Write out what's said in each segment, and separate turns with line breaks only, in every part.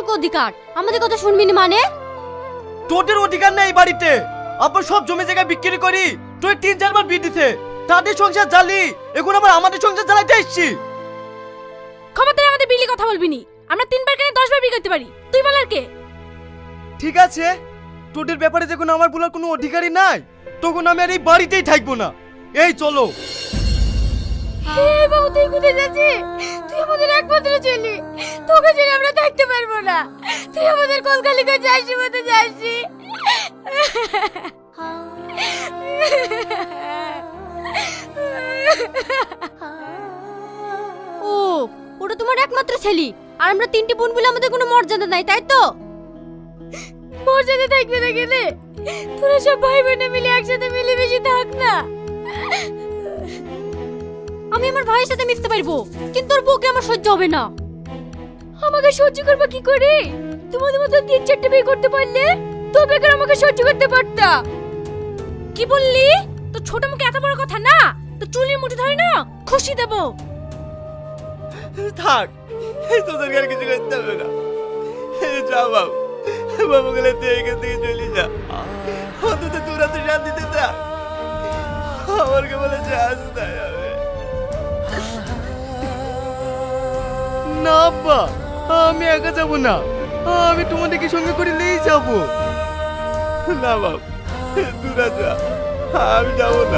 তোকে অধিকার, আমাদের কথা শুনবি না মানে?
তোদের অধিকার নেই এই বাড়িতে। আব্বা সব জমি জায়গা বিক্রি করি তুই 3-4 বার বিয়ে দিতে, তাদের সংসার জ্বালি, এখন আবার আমাদের সংসার জ্বালাইতে এসছি।
খবরদার আমাদের বিলি কথা বলবি নি। আমরা 3 বার কেন 10 বার বিয়ে করতে পারি, তুই বলার কে?
ঠিক আছে, তোদের ব্যাপারে যখন আমার বলার কোনো অধিকারই নাই, তখন আমি আর এই বাড়িতেই থাকবো না। এই চলো।
এই বাবু, তুই কোথায় যাচ্ছিস? তুই আমাদের একমাত্র ছেলে, তোকে ছেড়ে আমরা থাকতে পারবো না। তুই আমাদের কলকালি করে যাসি মতো যাসি।
ও, ওটা তোমার একমাত্র ছেলে, আর আমরা 3টি বোন বলে আমাদের কোনো মর্যাদা নাই, তাই তো?
মর্যাদা থাকবে না গেলে তোরা সব ভাই বোনে মিলে একসাথে মিলেমিশে থাক না।
আমি আমার ভাইয়ের সাথে মিশতে পারবো, কিন্তু ওর বউকে আমার সহ্য হবে না।
আমাকে সহ্য করবা কি করে? তোমাদের মতো 3-4টে বিয়ে করতে পারলে তবে কেন আমাকে সহ্য করতে পারতা? কি বললি? তো ছোট মুখে এত বড় কথা না, তো চুলের মুঠি ধরে না খুশি দেব।
থাক, তোদের আর কিছু করতে হবে না। যা বাবু, বাবু গেলে তুই এখান থেকে চলে যা। অন্তত তোরা তো শান্তিতে থাক। আমার কে বলে যাস না যাবে না। আব্বা, আমি একা যাব না, আমি তোমাদেরকে সঙ্গে করে নিয়েই যাব। না বাবু, তোরা যা, আমি যাব না।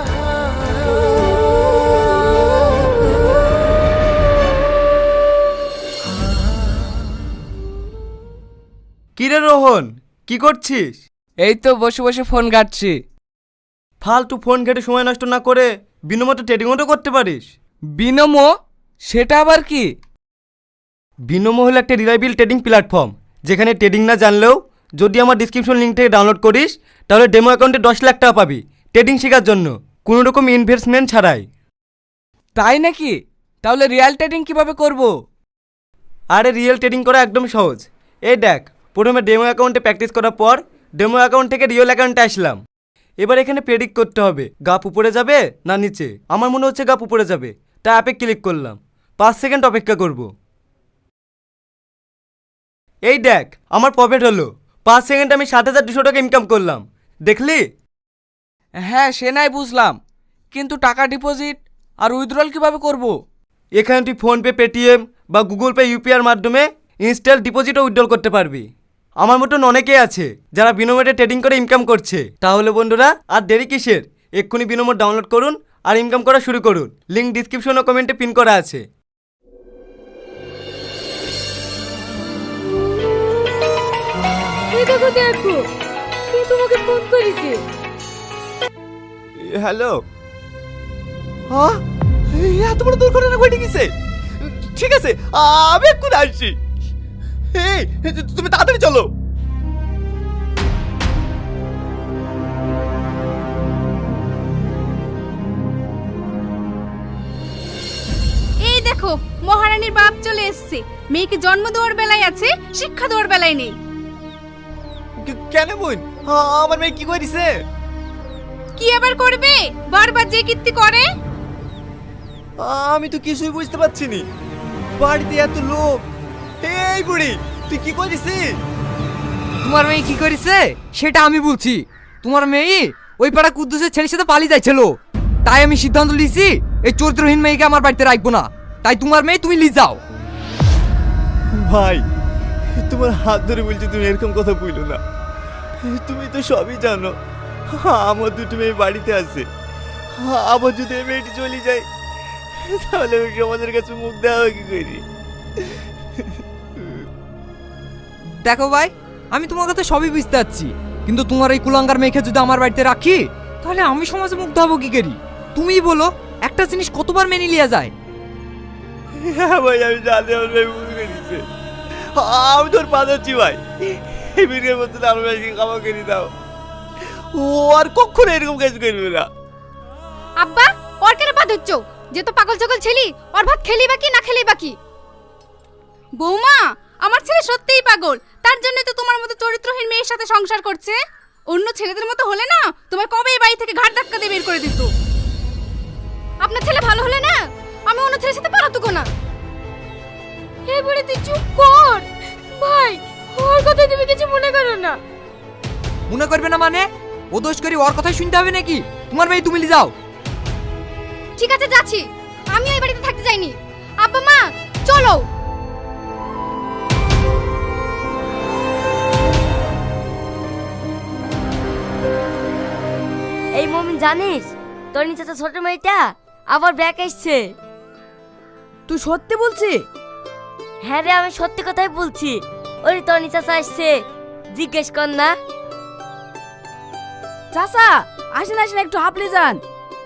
কিরে রোহন, কি করছিস?
এই তো বসে বসে ফোন ঘাটছি।
ফালতু ফোন ঘেটে সময় নষ্ট না করে বিনোমতো ট্রেডিংও তো করতে পারিস।
বিনমো? সেটা আবার কি?
বিনোমো হলো একটা রিলায়েবল ট্রেডিং প্ল্যাটফর্ম, যেখানে ট্রেডিং না জানলেও যদি আমার ডিসক্রিপশন লিঙ্ক থেকে ডাউনলোড করিস তাহলে ডেমো অ্যাকাউন্টে 10 লাখ টাকা পাবি ট্রেডিং শেখার জন্য, কোনো রকম ইনভেস্টমেন্ট ছাড়াই।
তাই নাকি? তাহলে রিয়েল ট্রেডিং কিভাবে করব?
আরে রিয়েল ট্রেডিং করা একদম সহজ। এই দেখ, প্রথমে ডেমো অ্যাকাউন্টে প্র্যাকটিস করার পর ডেমো অ্যাকাউন্ট থেকে রিয়েল অ্যাকাউন্টে আসলাম। এবার এখানে প্রেডিক্ট করতে হবে গাপ উপরে যাবে না নিচে। আমার মনে হচ্ছে গাপ উপরে যাবে, তাই অ্যাপে ক্লিক করলাম। 5 সেকেন্ড অপেক্ষা করব। এই দেখ, আমার প্রফিট হলো। 5 সেকেন্ডে আমি 7,200 টাকা ইনকাম করলাম, দেখলি?
হ্যাঁ, সে নাই বুঝলাম, কিন্তু টাকা ডিপোজিট আর উইথড্রল কিভাবে করব?
এখানে তুই ফোনপে, পেটিএম বা গুগল পে, ইউপিআইয়ের মাধ্যমে ইনস্ট্যান্ট ডিপোজিট ও উইথড্রল করতে পারবি। আমার মতন অনেকেই আছে যারা বিনোমোটে ট্রেডিং করে ইনকাম করছে। তাহলে বন্ধুরা আর দেরি কিসের, এক্ষুনি বিনোমোট ডাউনলোড করুন আর ইনকাম করা শুরু করুন। লিঙ্ক ডিসক্রিপশন ও কমেন্টে পিন করা আছে।
এই দেখো দেখো, কে তোমাকে ফোন করেছে?
হ্যালো। হ্যাঁ, এত বড় দুর্ঘটনা ঘটে গেছে? ঠিক আছে, আমি এক্ষুনি আসছি। এই তুমি তাড়াতাড়ি চলো।
এই দেখো, মহারানীর বাপ চলে এসেছে। মেয়েকে জন্ম দেওয়ার বেলায় আছে, শিক্ষা দেওয়ার বেলায় নেই।
কেন বোন, আমার মেয়ে কি করেছে?
কি আবার করবে? বারবার যে কীর্তি করে।
আমি তো কিছুই বুঝতে পারছি নি। বাড়িতে এত লোক। এই বুড়ি, তুই কি করেছিস?
তোমার মেয়ে কি করেছে সেটা আমি বলছি। তোমার মেয়ে ওই পাড়া কুদ্দুসের ছেলের সাথে পালিয়ে যাচ্ছিল, তাই আমি সিদ্ধান্ত নিয়েছি এই চরিত্রহীন মেয়েকে আমার বাড়িতে রাখবো না। তাই তোমার মেয়ে তুমি নিয়ে যাও।
ভাই, তোমার হাত ধরে বলছি, তুমি এরকম কথা বইলো না। তুমি তো সবই জানো, আমার দুটো মেয়ে বাড়িতে আছে। আবার যদি এই মেয়েটি চলে যায় তাহলে আমি সমাজের কাছে মুখ দেওয়া কি করি?
দেখো ভাই, আমি তোমার কথা সবই বুঝতে পারছি, কিন্তু তোমার এই কুলাঙ্গার মেয়েকে যদি আমার বাড়িতে রাখি তাহলে আমি সমাজে মুগ্ধ হবো কি করি? তুমিই বলো, একটা জিনিস কতবার মেনে লিয়া যায়?
হ্যাঁ ভাই, আমি জানি আমার মেয়ে ভুল করেছে। আমি তোর পা ধরছি ভাই, এই বিয়ের মধ্যে আমার মেয়েকে ক্ষমা করে দাও। ও আর কখনো এরকম কাজ করবে না।
আব্বা, ওর কেন পা ধরছো? যে তো পাগল ছাগল ছেলি, ওর ভাত খেলি বাকি না খেলি বাকি। বৌমা, আমার ছেলে সত্যিই পাগল, তার জন্য তো তোমার মতো চরিত্রহীন মেয়ের সাথে সংসার করছে। অন্য ছেলেদের মতো হলে না তোমার কবে এই বাড়ি থেকে ঘাট ধাক্কা দিয়ে বের করে দিত। আপনার ছেলে ভালো হলে না আমি অন্য ছেলের সাথে পালাতুকো না। এই বুড়ি তুই চুপ কর। ভাই
মনে করো না।
মনে করবে না মানে? ও দোষ করি ওর কথাই শুনতে হবে নাকি? তোমার মেয়ে তুমি যাও।
ঠিক আছে যাচ্ছি, আমি এই বাড়িতে থাকতে চাইনি। আব্বা মা চলো।
এই মমিন জানিস তোর নিচে তো ছোট মেয়েটা আবার ব্যাক এসছে।
তুই সত্যি বলছিস?
হ্যাঁ রে, আমি সত্যি কথাই বলছি। ওই তোর নিচে আসছে, জিজ্ঞেস কর না।
চাচা আসেন আসেন, একটু হাঁপলে যান।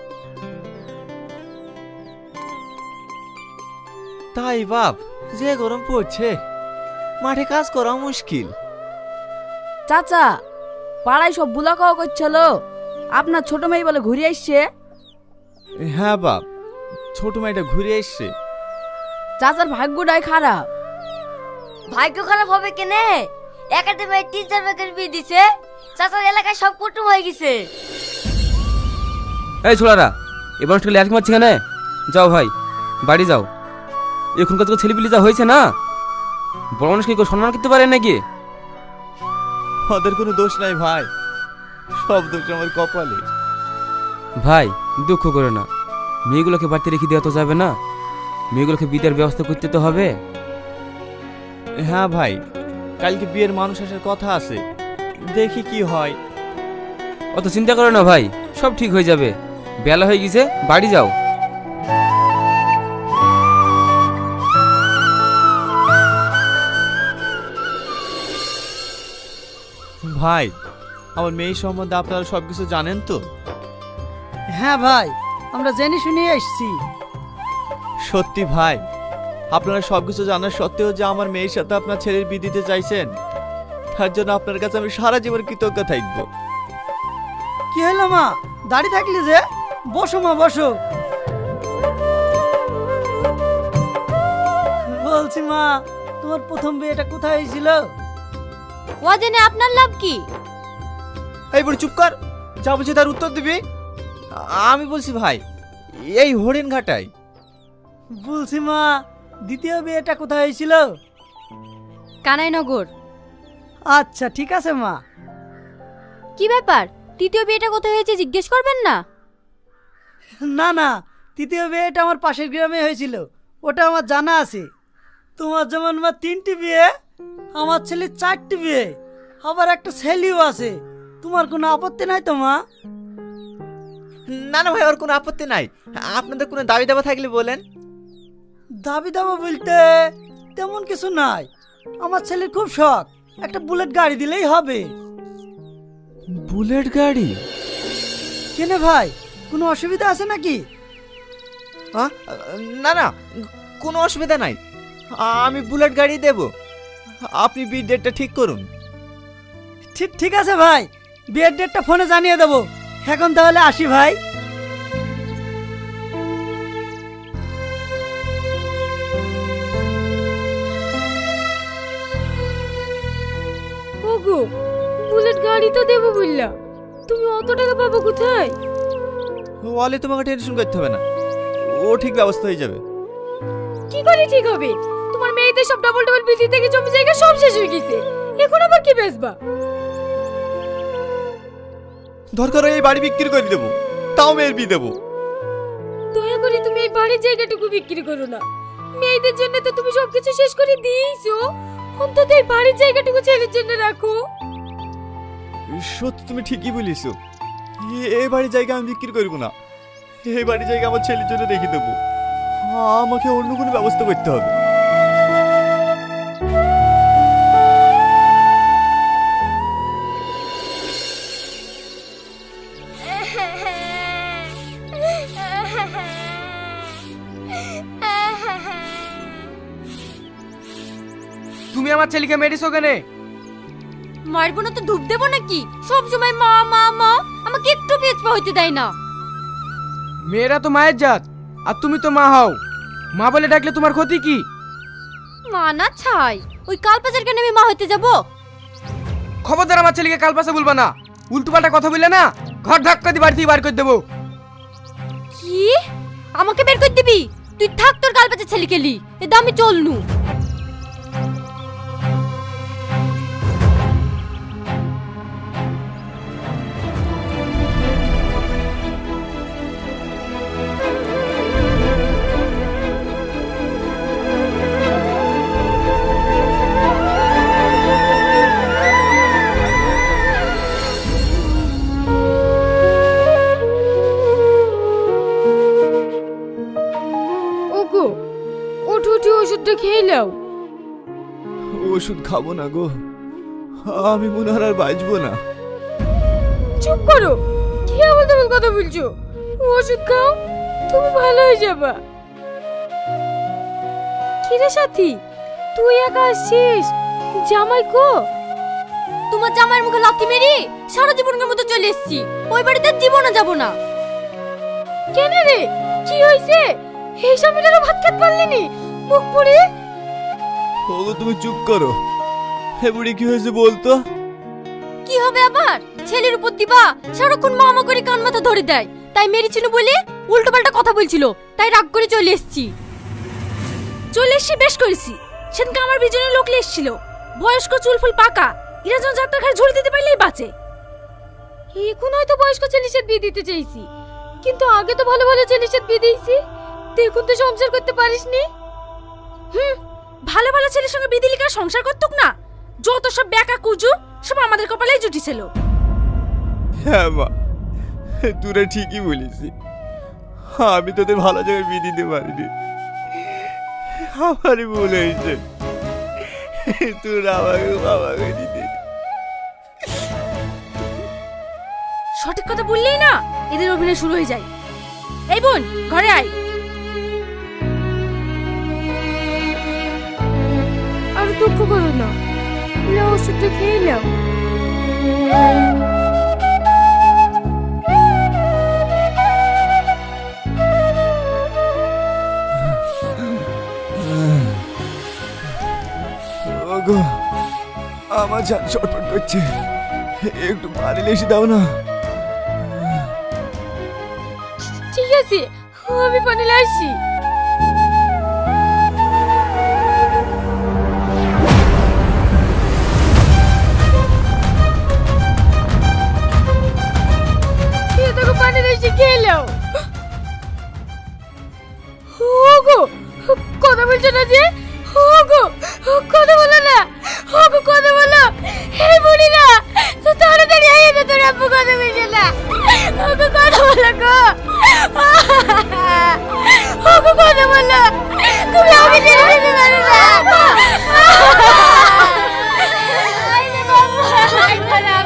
তাই বাপ, যে গরম পড়ছে মাঠে কাজ করা মুশকিল।
চাচা পাড়ায় সব বুলা খাওয়া করছিল, আপনার ছোট মেয়ে বলে ঘুরে আসছে।
হ্যাঁ বাপ, ছোট মেয়েটা ঘুরে এসছে।
চাচার ভাগ্যটাই খারাপ।
ভাগ্য খারাপ হবে কেনে? একাডেমির 3-4 ভাগের বিয়ে দিছে, চাচার এলাকায় সব কুটুম হয়ে গেছে।
এই ছোড়ারা, এবার একটু ল্যাট মারছি কেন? যাও ভাই, বাড়ি যাও। এখনকার তো ছেলেপিলি যা হয়েছে না, বড় মানুষকে কেউ সম্মান করতে পারে নাকি?
ওদের কোনো দোষ নাই ভাই, সব দোষ আমার কপালে।
ভাই দুঃখ করে না, মেয়েগুলোকে বাড়িতে রেখে দেওয়া তো যাবে না, মেয়েগুলোকে বিদায়ের ব্যবস্থা করতে তো হবে।
হ্যাঁ ভাই, কালকে বিয়ের মানুষ আসার কথা আছে, দেখি কি হয়।
অত চিন্তা করো না ভাই, সব ঠিক হয়ে যাবে। বেলা হয়ে গেছে, বাড়ি যাও।
ভাই, আমার মেয়ে সম্বন্ধে আপনারা সবকিছু জানেন তো?
হ্যাঁ ভাই, আমরা জেনে শুনে এসেছি।
সত্যি ভাই, আপনারা সবকিছু জানার সত্ত্বেও যে আমার মেয়ের সাথে আপনার ছেলের বিয়ে দিতে চাইছেন, তার জন্য আপনার কাছে আমি সারা জীবন কৃতজ্ঞ থাকবো।
কি হলো মা, দাঁড়িয়ে থাকলি যে? বসো মা বসো। বলছি মা, তোমার প্রথম বিয়েটা কোথায় হয়েছিল?
ও জেনে আপনার লাভ কি?
এই বড় চুপ কর, যা বলছি তার উত্তর দিবি। আমি বলছি ভাই, এই হরিণ ঘাটায়।
বলছি মা, দ্বিতীয় বিয়েটা কোথায় হয়েছিল?
কানাইনগর।
আচ্ছা ঠিক আছে মা।
কি ব্যাপার, তৃতীয় বিয়েটা কোথায় হয়েছে জিজ্ঞেস করবেন না?
না না, তৃতীয় বিয়েটা আমার পাশের গ্রামে হয়েছিল, ওটা আমার জানা আছে। তোমার যেমন মা 3টি বিয়ে, আমার ছেলের 4টি বিয়ে, আবার একটা ছেলেও আছে। তোমার কোনো আপত্তি নাই তো মা?
না না ভাই, ওর কোনো আপত্তি নাই। আপনাদের কোনো দাবি দাবা থাকলে বলেন।
দাবি দাবা বলতে তেমন কিছু নাই। আমার ছেলের খুব শখ, একটা বুলেট গাড়ি দিলেই হবে।
বুলেট গাড়ি?
কেনে ভাই, কোনো অসুবিধা আছে নাকি?
না না, কোনো অসুবিধা নাই, আমি বুলেট গাড়ি দেব। আপনি বিয়ের ডেটটা ঠিক করুন।
ঠিক ঠিক আছে ভাই, বিয়ের ডেটটা ফোনে জানিয়ে দেবো। এখন তাহলে আসি ভাই।
ওগো, বুলেট গাড়ি তো দেবো বললা, তুমি অত টাকা পাবো কোথায়?
ওয়ালে তোমাকে টেনশন করতে হবে না, ও ঠিক ব্যবস্থা হয়ে যাবে।
কি করে ঠিক হবে? তোমার মেয়েদের সব ডাবল ডাবল বিধি থেকে জমি জায়গা সব শেষ হয়ে গেছে, এখন আবার কি বেচবা?
দরকার হয় এই বাড়ি বিক্রি করে দেবো, তাও মেয়ের বিয়ে দেবো।
দয়া করে তুমি এই বাড়ির জায়গাটুকু বিক্রি করো না। মেয়েদের জন্য তো তুমি সবকিছু শেষ করে দিয়েছো, অন্তত এই বাড়ির জায়গাটুকু ছেলের জন্য রাখো।
সত্যি তুমি ঠিকই বলিছো, এই বাড়ির জায়গা আমি বিক্রি করবো না, এই বাড়ির জায়গা আমার ছেলের জন্য রেখে দেবো। আমাকে অন্য কোনো ব্যবস্থা করতে হবে।
তুমি আমার ছেলেকে মেরেছো কেন?
মারবো না তো ধূপ দেবো নাকি? সব সময় মা মা মা, আমাকে একটু পেছপা হইতে দেয় না।
মেয়েরা তো মায়ের জাত, আর তুমি তো মা হও, মা বলে ডাকলে তোমার ক্ষতি কি?
মা না ছাই, ওই কালপাচার কেন আমি মা হইতে যাবো?
খবরদার আমার ছেলেকে কাল পাশে বলবা না, উল্টোপাল্টা কথা বললে না ঘর ধাক্কা দিয়ে বাড়ি থেকে বার করে দেবো।
কি? আমাকে বের করে দিবি? তুই থাক তোর কালপাচার ছেলে কেলি, এ দামি চলনু।
ওষুধ খাবো না গো, আমি মনে হয় আর বাঁচবো না।
চুপ করো, কি আবল তাবল কথা বলছো? ওষুধ খাও, তুমি ভালো হয়ে যাবা। কিরে সাথী, তুই একা আসছিস? জামাই কো?
তোমার জামাইয়ের মুখে লাথি মেরি সারা জীবনের মতো চলে এসেছি। ওই বাড়িতে জীবনে যাব না।
কেন রে, কি হইছে? এই স্বামীটারও ভাত খেতে পারলিনি? মুখ পুড়ে।
ওগো তুমি চুপ করো, হে বুড়ি কি হয়েছে বলতো?
কি হবে আবার? ছেলের উপর দিবা সারাক্ষণ মামা করে কান মাথা ধরে দেয়, তাই মেরেছিল বলে উল্টো পাল্টা কথা বলছিল, তাই রাগ করে চলে এসেছি। চলে এসছি বেশ করেছি। সেদিনকে আমার বিজনের লোক এসেছিল, বয়স্ক চুলফুল পাকা, এরা যেন যাত্রা ঘাড়ে ঝুড়ি দিতে পারলেই বাঁচে।
এখন হয়তো বয়স্ক ছেলের সাথে বিয়ে দিতে চাইছি, কিন্তু আগে তো ভালো ভালো ছেলের সাথে বিয়ে দিয়েছি। দেখুন তো সংসার করতে পারিসনি।
ভালো ভালো ছেলের সঙ্গে বিয়ে দিলে কার সংসার করতুক না? যত সব বেকা কুজু সব আমাদের কপালেই জুটিছিল।
হ্যাঁ মা, তোরা ঠিকই বলিস, আমি তোদের ভালো জায়গায় বিয়ে দিতে পারিনি, আমারই ভুল হয়েছে। তোরা আমাকে বাবা করে দিতে।
সঠিক কথা বললেই না এদের অভিনয় শুরু হয়ে যায়। এই বোন, ঘরে আয়।
আর দুঃখ করো না, নাও ওষুধটা খেয়ে নাও।
ওগো, আমার জান ছটফট করছে, একটু পানি এসে দাও না।
ঠিক আছে, আমি পানি আসছি।